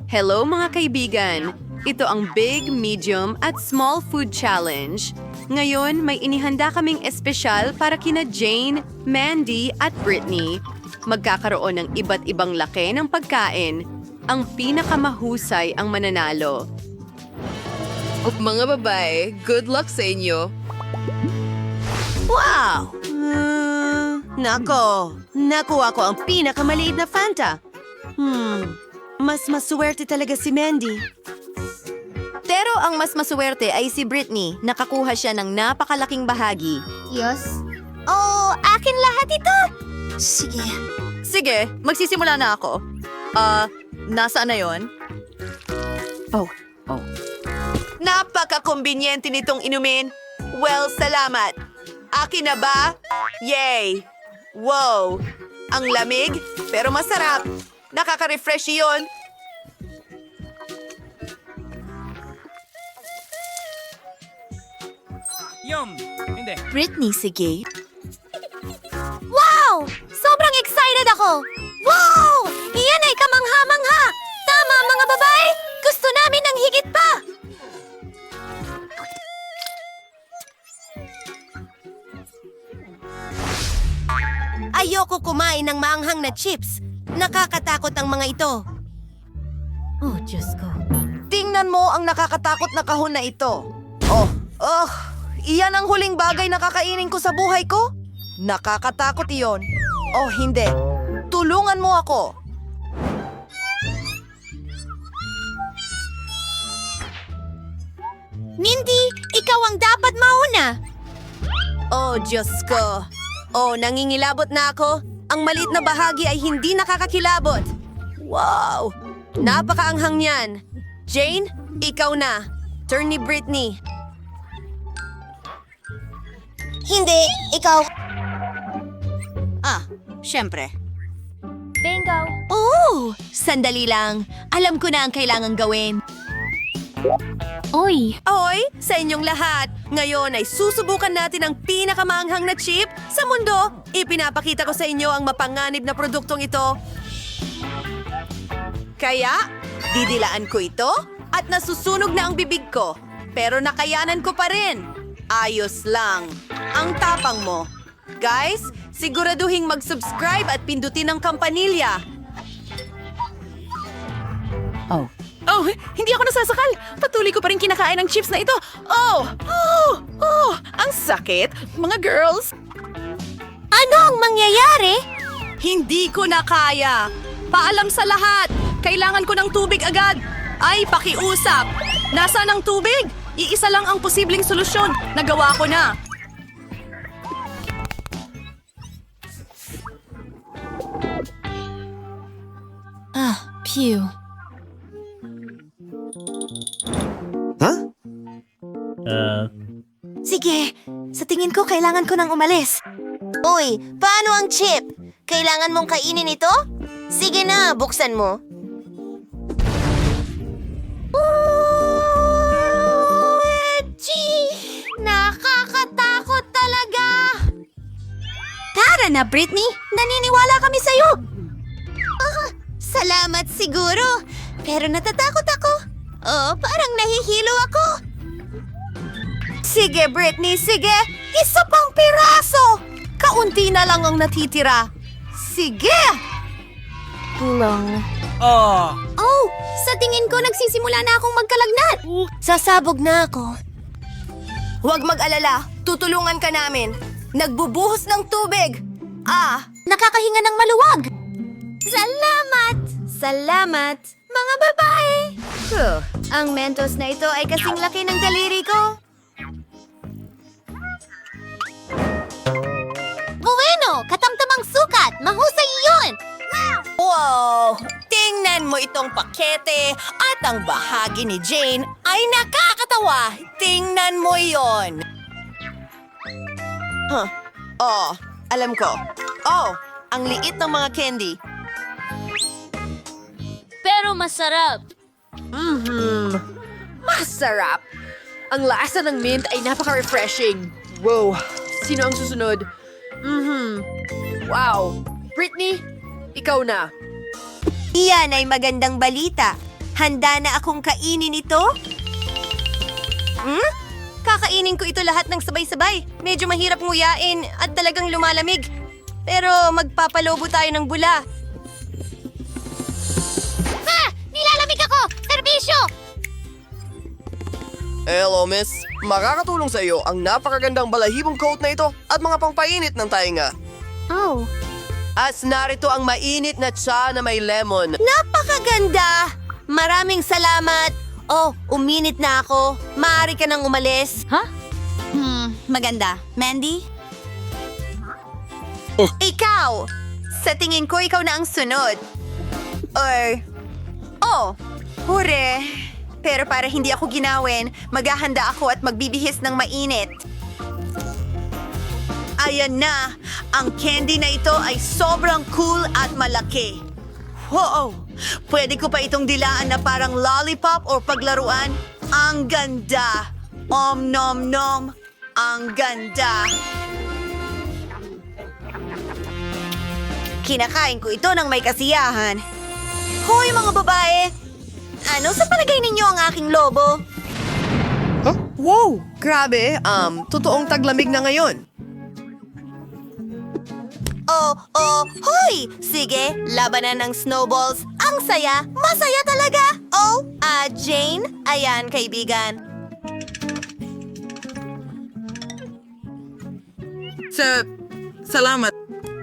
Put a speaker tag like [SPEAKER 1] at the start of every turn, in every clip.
[SPEAKER 1] Hello mga kaibigan! Ito ang Big, Medium at Small Food Challenge. Ngayon, may inihanda kaming espesyal para kina Jane, Mandy at Brittany. Magkakaroon ng iba't ibang laki ng pagkain. Ang pinakamahusay ang mananalo.
[SPEAKER 2] Mga babae, good luck sa inyo.
[SPEAKER 3] Wow! Nako! Nakuha ko ang pinakamaliit na Fanta. Mas maswerte talaga si Mandy.
[SPEAKER 4] Pero ang mas maswerte ay si Brittany. Nakakuha siya ng napakalaking bahagi.
[SPEAKER 5] Yes? Oh, akin lahat ito! Sige.
[SPEAKER 4] Sige, magsisimula na ako. Nasaan na yon?
[SPEAKER 3] Napaka-kumbinyente nitong inumin. Well, salamat. Akin na ba? Yay! Wow! Ang lamig, pero masarap. Nakaka-refresh yun.
[SPEAKER 6] Hindi.
[SPEAKER 4] Brittany, sige.
[SPEAKER 5] Wow! Sobrang excited ako! Wow! Iyan ay kamangha-mangha! Tama, mga babae! Gusto namin ng higit pa!
[SPEAKER 3] Ayoko kumain ng maanghang na chips. Nakakatakot ang mga ito.
[SPEAKER 4] Oh, Diyos ko.
[SPEAKER 3] Tingnan mo ang nakakatakot na kahon na ito. Iyan ang huling bagay na kakainin ko sa buhay ko? Nakakatakot iyon. Oh, hindi. Tulungan mo ako.
[SPEAKER 5] Mindy, ikaw ang dapat mauna!
[SPEAKER 3] Oh, Diyos ko. Oh, nangingilabot na ako. Ang maliit na bahagi ay hindi nakakakilabot. Wow! Napakaanghang niyan. Jane, ikaw na. Turn ni Brittany.
[SPEAKER 5] Hindi, ikaw.
[SPEAKER 3] Siyempre.
[SPEAKER 5] Bingo!
[SPEAKER 3] Oh! Sandali lang. Alam ko na ang kailangang gawin.
[SPEAKER 5] Oy!
[SPEAKER 3] Ahoy! Sa inyong lahat! Ngayon ay susubukan natin ang pinakamaanghang na chip sa mundo. Ipinapakita ko sa inyo ang mapanganib na produktong ito. Kaya, didilaan ko ito at nasusunog na ang bibig ko. Pero nakayanan ko pa rin. Ayos lang. Ang tapang mo. Guys, siguraduhing mag-subscribe at pindutin ang kampanilya.
[SPEAKER 2] Oh, hindi ako nasasakal. Patuloy ko pa rin kinakain ang chips na ito. Ang sakit. Mga girls.
[SPEAKER 5] Ano ang mangyayari?
[SPEAKER 2] Hindi ko na kaya. Paalam sa lahat. Kailangan ko ng tubig agad. Ay, pakiusap. Nasaan ang tubig? Iisa lang ang posibleng solusyon. Nagawa ko na.
[SPEAKER 4] Phew.
[SPEAKER 5] Sige, sa tingin ko kailangan ko nang umalis. Uy, paano ang chip? Kailangan mong kainin ito? Sige na, buksan mo. Nakakatakot talaga! Tara na, Brittany! Naniniwala kami sa'yo! Salamat siguro, pero natatakot ako. Oh, parang nahihilo ako.
[SPEAKER 3] Sige, Brittany, sige! Isa pang piraso! Kaunti na lang ang natitira. Sige!
[SPEAKER 5] Oh, sa tingin ko nagsisimula na akong magkalagnat. Sasabog na ako.
[SPEAKER 3] Huwag mag-alala, tutulungan ka namin. Nagbubuhos ng tubig.
[SPEAKER 5] Nakakahinga ng maluwag. Salamat! Salamat, mga babae! Ang Mentos na ito ay kasing laki ng daliri ko. Bueno! Katamtamang sukat! Mahusay yun!
[SPEAKER 3] Wow! Tingnan mo itong pakete at ang bahagi ni Jane ay nakakatawa. Tingnan mo yon. Alam ko. Ang liit ng mga candy.
[SPEAKER 5] Pero masarap.
[SPEAKER 2] Masarap. Ang lasa ng mint ay napaka-refreshing. Wow. Sino ang susunod? Wow. Brittany, ikaw na.
[SPEAKER 3] Iyan ay magandang balita.
[SPEAKER 5] Handa na akong kainin ito?
[SPEAKER 3] Kakainin ko ito lahat ng sabay-sabay. Medyo mahirap nguyain at talagang lumalamig. Pero magpapalobo tayo ng bula.
[SPEAKER 5] Ha! Nilalamig ako! Serbisyo!
[SPEAKER 7] Hello, miss. Makakatulong sa iyo ang napakagandang balahibong coat na ito at mga pangpainit ng tainga.
[SPEAKER 5] Oh.
[SPEAKER 3] As narito ang mainit na tsa na may lemon.
[SPEAKER 5] Napakaganda! Maraming salamat! Oh, uminit na ako. Maaari ka nang umalis.
[SPEAKER 4] Maganda. Mandy?
[SPEAKER 3] Ikaw! Sa tingin ko, ikaw na ang sunod. Hure! Pero para hindi ako ginawin, maghahanda ako at magbibihis ng mainit. Ayan na! Ang candy na ito ay sobrang cool at malaki. Wow! Pwede ko pa itong dilaan na parang lollipop o paglaruan. Ang ganda! Nom nom! Ang ganda! Kinakain ko ito ng may kasiyahan. Hoy mga babae! Ano sa palagay ninyo ang aking lobo?
[SPEAKER 7] Wow! Grabe, totoong taglamig na ngayon.
[SPEAKER 5] Hoy! Sige, labanan ng snowballs. Ang saya! Masaya talaga! Jane? Ayan, kaibigan.
[SPEAKER 6] Salamat.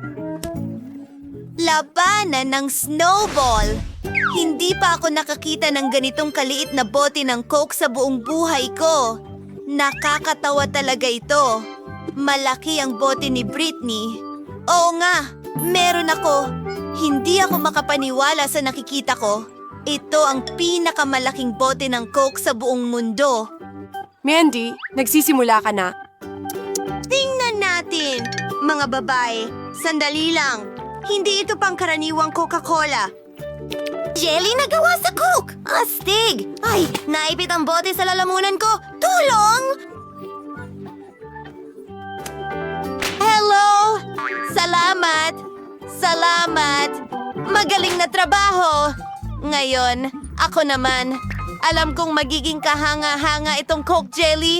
[SPEAKER 5] Labanan ng snowball! Hindi pa ako nakakita ng ganitong kaliit na bote ng Coke sa buong buhay ko. Nakakatawa talaga ito. Malaki ang bote ni Britney. Oo nga, meron ako. Hindi ako makapaniwala sa nakikita ko. Ito ang pinakamalaking bote ng Coke sa buong mundo.
[SPEAKER 2] Mandy, nagsisimula ka na.
[SPEAKER 5] Tingnan natin, mga babae. Sandali lang. Hindi ito pangkaraniwang Coca-Cola. Jelly na gawa sa Coke! Astig! Ay, naipit ang bote sa lalamunan ko. Tulong! Hello! Salamat! Salamat! Magaling na trabaho! Ngayon, ako naman. Alam kong magiging kahanga-hanga itong Coke Jelly.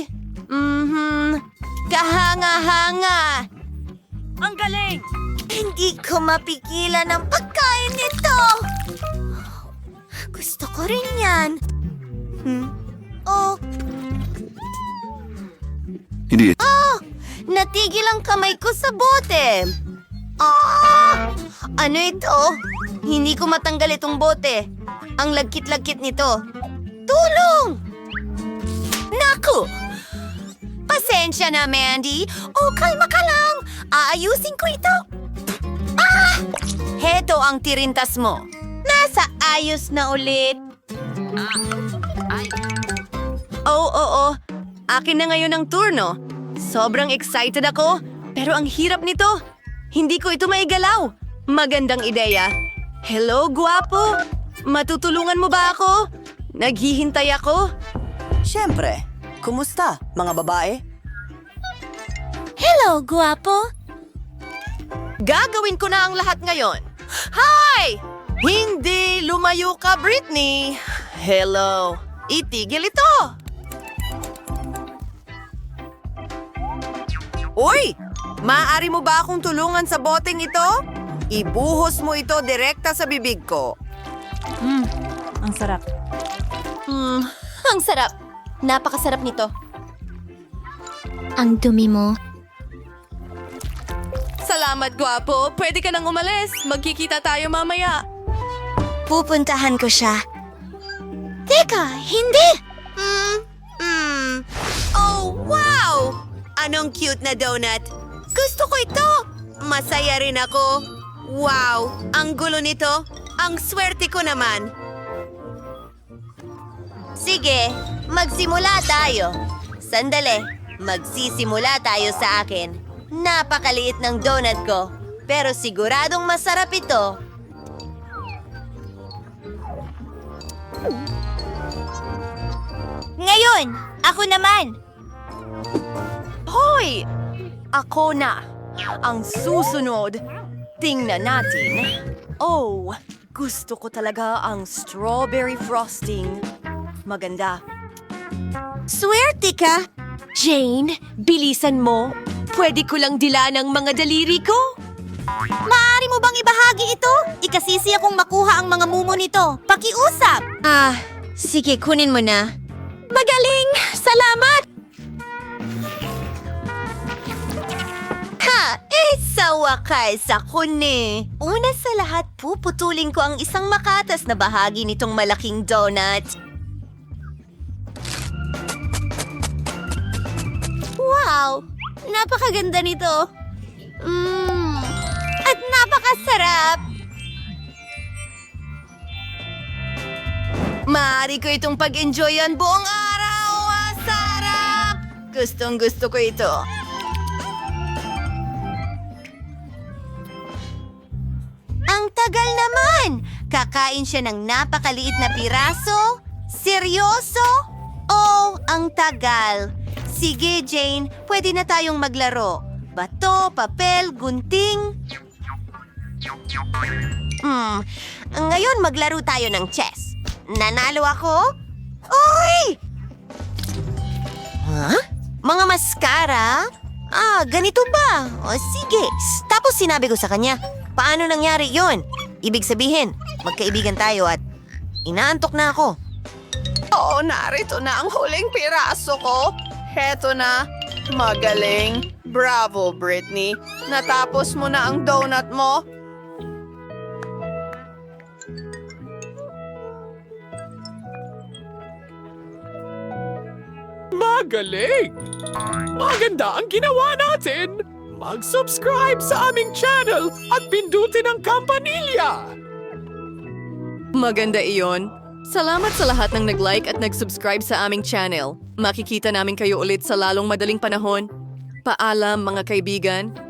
[SPEAKER 5] Kahanga-hanga!
[SPEAKER 2] Ang galing!
[SPEAKER 5] Hindi ko mapigilan ang pagkain nito! Gusto ko rin yan.
[SPEAKER 8] Hindi.
[SPEAKER 5] Natigil ang kamay ko sa bote. Ano ito? Hindi ko matanggal itong bote. Ang lagkit-lagkit nito. Tulong! Naku! Pasensya na, Mandy. Kalma ka lang. Aayusin ko ito. Heto ang tirintas mo. Nasa ayos na ulit.
[SPEAKER 3] Oo. Akin na ngayon ang turno. Sobrang excited ako, pero ang hirap nito. Hindi ko ito maigalaw. Magandang ideya. Hello, guwapo. Matutulungan mo ba ako? Naghihintay ako.
[SPEAKER 9] Siyempre. Kumusta, mga babae?
[SPEAKER 5] Hello, guwapo.
[SPEAKER 3] Gagawin ko na ang lahat ngayon. Hi! Hindi lumayo ka, Britney. Hello. Itigil ito. Uy! Maaari mo ba akong tulungan sa boteng ito? Ibuhos mo ito direkta sa bibig ko.
[SPEAKER 2] Ang sarap.
[SPEAKER 5] Ang sarap. Napakasarap nito. Ang dumi mo.
[SPEAKER 3] Salamat, gwapo. Pwede ka nang umalis. Magkikita tayo mamaya.
[SPEAKER 5] Pupuntahan ko siya. Teka, hindi!
[SPEAKER 3] Oh, wow! Anong cute na donut. Gusto ko ito. Masaya rin ako. Wow, ang gulo nito. Ang swerte ko naman.
[SPEAKER 5] Sige, magsimula tayo. Sandali, magsisimula tayo sa akin. Napakaliit ng donut ko, pero siguradong masarap ito. Ngayon, ako naman.
[SPEAKER 3] Hoy! Ako na. Ang susunod. Tingnan natin. Oh, Gusto ko talaga ang strawberry frosting. Maganda.
[SPEAKER 5] Swerte ka!
[SPEAKER 8] Jane, bilisan mo. Pwede ko lang dila ng mga daliri ko.
[SPEAKER 5] Maaari mo bang ibahagi ito? Ikasisi akong makuha ang mga mumo nito. Pakiusap! Sige, kunin mo na.
[SPEAKER 8] Magaling! Salamat!
[SPEAKER 5] Sa wakas ako ni. Una sa lahat, puputulin ko ang isang makatas na bahagi nitong malaking donut. Wow! Napakaganda nito. At napakasarap.
[SPEAKER 3] Maaari ko itong pag-enjoyan buong araw. Sarap! Gustong-gusto ko ito.
[SPEAKER 5] Ang tagal naman! Kakain siya ng napakaliit na piraso? Seryoso? Oh, ang tagal. Sige, Jane, pwede na tayong maglaro. Bato, papel, gunting. Ngayon maglaro tayo ng chess. Nanalo ako? Uy! Mga maskara? Ganito ba? O sige. Tapos sinabi ko sa kanya, paano nangyari yon? Ibig sabihin, magkaibigan tayo at inaantok na ako.
[SPEAKER 3] Oo, narito na ang huling piraso ko. Heto na. Magaling. Bravo, Britney. Natapos mo na ang donut mo.
[SPEAKER 10] Magaling! Maganda ang ginawa natin! Mag-subscribe sa aming channel at pindutin ang kampanilya!
[SPEAKER 1] Maganda iyon. Salamat sa lahat ng nag-like at nag-subscribe sa aming channel. Makikita namin kayo ulit sa lalong madaling panahon. Paalam mga kaibigan.